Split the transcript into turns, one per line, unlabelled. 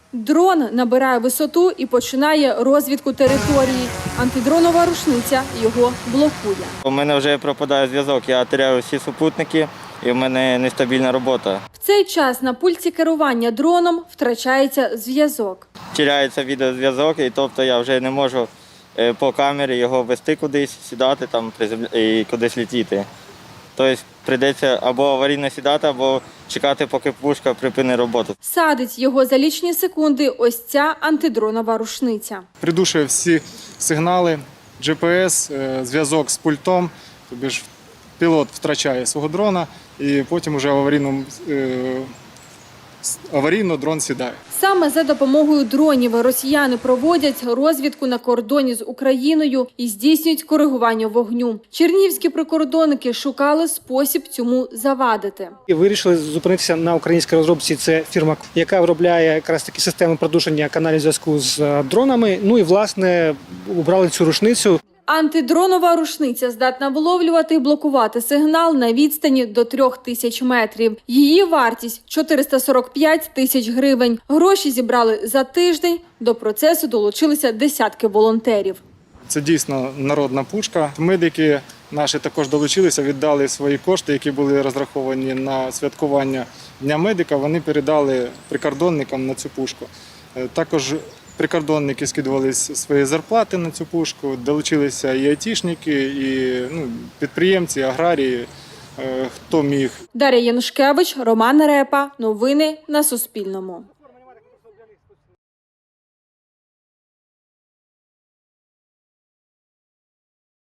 Дрон набирає висоту і починає розвідку території. Антидронова рушниця його блокує.
У мене вже пропадає зв'язок, я теряю всі супутники і в мене нестабільна робота.
В цей час на пульті керування дроном втрачається зв'язок.
Теряється відеозв'язок, і тобто я вже не можу по камері його вести кудись, сідати там і кудись летіти. Тобто прийдеться або аварійно сідати, або чекати, поки пушка припинить роботу.
Садить його за лічні секунди ось ця антидронова рушниця.
Придушує всі сигнали, GPS, зв'язок з пультом, тобто ж пілот втрачає свого дрона і потім уже аварійно дрон сідає.
Саме за допомогою дронів росіяни проводять розвідку на кордоні з Україною і здійснюють коригування вогню. Чернігівські прикордонники шукали спосіб цьому завадити.
І вирішили зупинитися на українській розробці. Це фірма, яка виробляє якраз такі системи продушення каналів зв'язку з дронами. Ну і, власне, обрали цю рушницю.
Антидронова рушниця здатна виловлювати і блокувати сигнал на відстані до 3000 метрів. Її вартість – 445 тисяч гривень. Гроші зібрали за тиждень. До процесу долучилися десятки волонтерів.
Це дійсно народна пушка. Медики наші також долучилися, віддали свої кошти, які були розраховані на святкування Дня медика. Вони передали прикордонникам на цю пушку. Також прикордонники скидували свої зарплати на цю пушку, долучилися і айтішники, і підприємці, аграрії, хто міг.
Дар'я Янушкевич, Роман Репа. Новини на Суспільному.